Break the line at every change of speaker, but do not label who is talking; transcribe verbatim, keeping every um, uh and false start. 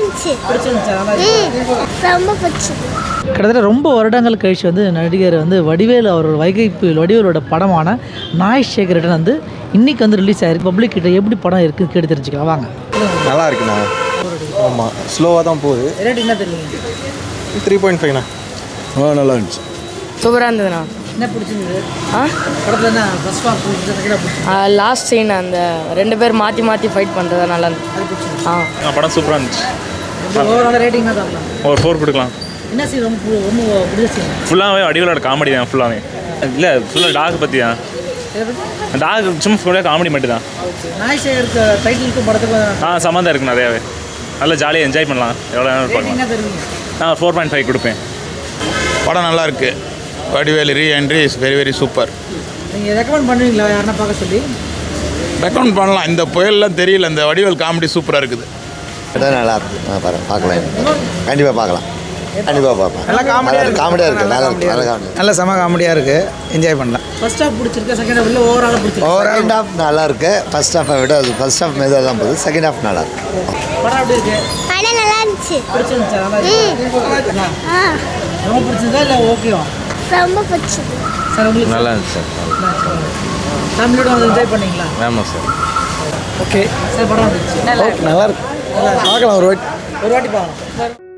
இருந்துச்சு. பிடிச்சிருந்துச்சு. நல்லா இருந்துச்சு. ரொம்ப பிடிச்சது.
கிட்டத்தட்ட ரொம்ப வருடங்கள் கழிச்சு வந்து நடிகர் வந்து வடிவேலு அவரோட வைகைப்பு வடிவேலோட படமான நாய் சேகரன் வந்து இன்னைக்கு வந்து ரிலீஸ் ஆயிருக்கு. பப்ளிக் கிட்ட எப்படி படம் இருக்குன்னு கேட்டு தெரிஞ்சுக்கலாம் வாங்க.
நல்லா இருக்குண்ணா. ஆமாம், ஸ்லோவாக தான் போகுது.
ரேட் என்ன தெரியுங்க?
Three point ஃபைவ்ண்ணா. ஆ, நல்லா இருந்துச்சு.
சூப்பராக இருந்ததுண்ணா.
என்ன பிடிச்சிருந்தது?
ஆ
படத்தில் என்ன ஃபர்ஸ்ட் ஹாஃப் பிடிச்சிருந்தது?
லாஸ்ட் சீன் அந்த ரெண்டு பேர் மாற்றி மாற்றி ஃபைட் பண்ணுறது நல்லா இருந்துச்சு. ஆ
படம் சூப்பராக இருந்துச்சு.
ஓவரால் ரேட்டிங் தான் தரலாம்.
ஒரு ஃபோர் கொடுக்கலாம்.
என்ன சீன் ரொம்ப ரொம்ப பிடிச்ச சீன்?
ஃபுல்லாகவே வடிவேலோட காமெடி தான். ஃபுல்லாகவே இல்லை, ஃபுல்லாக டாக் பற்றி தான். டாக் சும்மா ஃபுல்லாக காமெடி மட்டும் தான்.
நாய் சேகருக்கு டைட்டிலுக்கும் படத்துக்கும்
ஆ சம்மந்தம் இருக்குது நிறையாவே. நல்லா ஜாலியாக என்ஜாய் பண்ணலாம். எவ்வளோ நேரம் பார்க்கலாம். நான் ஃபோர் பாயிண்ட் ஃபைவ் கொடுப்பேன்.
படம் நல்லா இருக்குது. Vadivelu re entry is very very super.
நீங்கள் ரெக்கமெண்ட் பண்ணுவீங்களா யாருன்னா பார்க்க சொல்லி?
ரெக்கமெண்ட் பண்ணலாம். இந்த புயல்லாம் தெரியல, இந்த வடிவேல் காமெடி சூப்பராக இருக்குது.
நல்லா இருக்குது. பாருங்கள், பார்க்கலாம். கண்டிப்பாக பார்க்கலாம். கண்டிப்பாக பார்ப்பேன்.
நல்லா காமெடியாக இருக்குது.
காமெடியாக இருக்குது. நல்லா இருக்குது. நல்லா காமெடி.
நல்ல செம காமெடியாக இருக்குது. என்ஜாய் பண்ணலாம்.
ஃபர்ஸ்ட் ஹாஃப் பிடிச்சிருக்கு, செகண்ட் ஹாஃப் இல்லை ஓவராலாக பிடிச்சிருக்கு?
செகண்ட் ஹாஃப் நல்லா இருக்குது. ஃபர்ஸ்ட் ஹாஃபை விட அது ஃபர்ஸ்ட் ஹாஃப் மெதுவாக தான் போகுது. செகண்ட் ஹாஃப் நல்லா இருக்குது.
படம் எப்படி இருக்கு?
படம் நல்லா இருந்துச்சு.
பிடிச்சிருந்துச்சா? நல்லா இருக்கு.
ஆ
ரொம்ப பிடிச்சிருந்தா இல்லை ஓகேவா?
ரொம்ப பிடிச்சது.
சார் உங்களுக்கு
நல்லா இருந்துச்சு சார்.
ஃபேமிலியோட வந்து என்ஜாய் பண்ணீங்களா?
ஆமாம் சார்.
ஓகே சார், படம் வந்துச்சு.
நல்லா இருக்கு. பார்க்கலாம் ஒரு வாட்டி.
ஒரு வாட்டி பார்க்கலாம்.